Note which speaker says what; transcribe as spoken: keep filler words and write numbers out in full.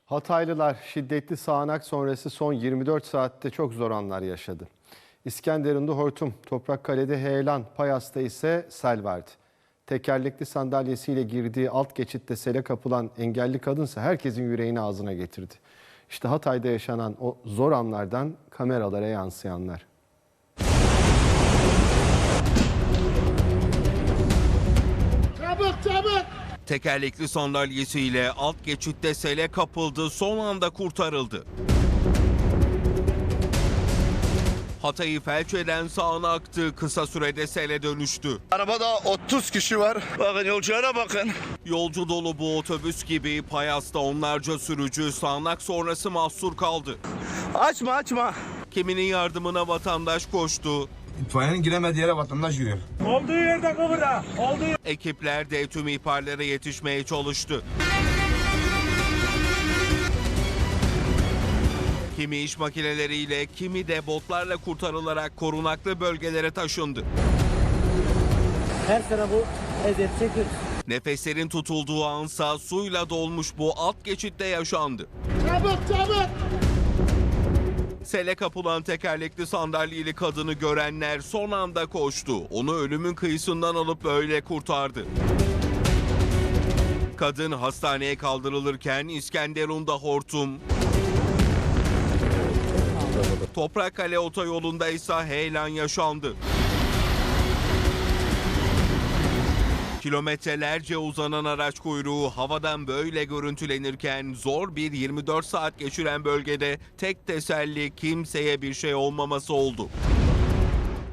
Speaker 1: Hataylılar şiddetli sağanak sonrası son yirmi dört saatte çok zor anlar yaşadı. İskenderun'da hortum, Toprakkale'de heyelan, Payas'ta ise sel vardı. Tekerlekli sandalyesiyle girdiği alt geçitte sele kapılan engelli kadınsa herkesin yüreğini ağzına getirdi. İşte Hatay'da yaşanan o zor anlardan kameralara yansıyanlar.
Speaker 2: Çabuk çabuk!
Speaker 3: Tekerlekli sandalyesiyle alt geçitte sele kapıldı, son anda kurtarıldı. Hatay'ı felç eden sağanaktı, kısa sürede sele dönüştü.
Speaker 4: Arabada otuz kişi var. Bakın yolculara bakın.
Speaker 3: Yolcu dolu bu otobüs gibi Payas'ta onlarca sürücü sağanak sonrası mahsur kaldı.
Speaker 4: Açma açma.
Speaker 3: Kiminin yardımına vatandaş koştu.
Speaker 5: İtfaiyenin giremediği yere vatandaş giriyor.
Speaker 2: Olduğu yerde kıvıra! Olduğu
Speaker 3: Ekipler de tüm ihbarlara yetişmeye çalıştı. Kimi iş makineleriyle, kimi de botlarla kurtarılarak korunaklı bölgelere taşındı.
Speaker 6: Her sene bu eziyet çekiyoruz.
Speaker 3: Nefeslerin tutulduğu ansa suyla dolmuş bu alt geçitte yaşandı.
Speaker 2: çabuk çabuk!
Speaker 3: Sele kapılan tekerlekli sandalyeli kadını görenler son anda koştu. Onu ölümün kıyısından alıp böyle kurtardı. Kadın hastaneye kaldırılırken İskenderun'da hortum, Toprakkale otoyolunda ise heyelan yaşandı. Kilometrelerce uzanan araç kuyruğu havadan böyle görüntülenirken zor bir yirmi dört saat geçiren bölgede tek teselli kimseye bir şey olmaması oldu.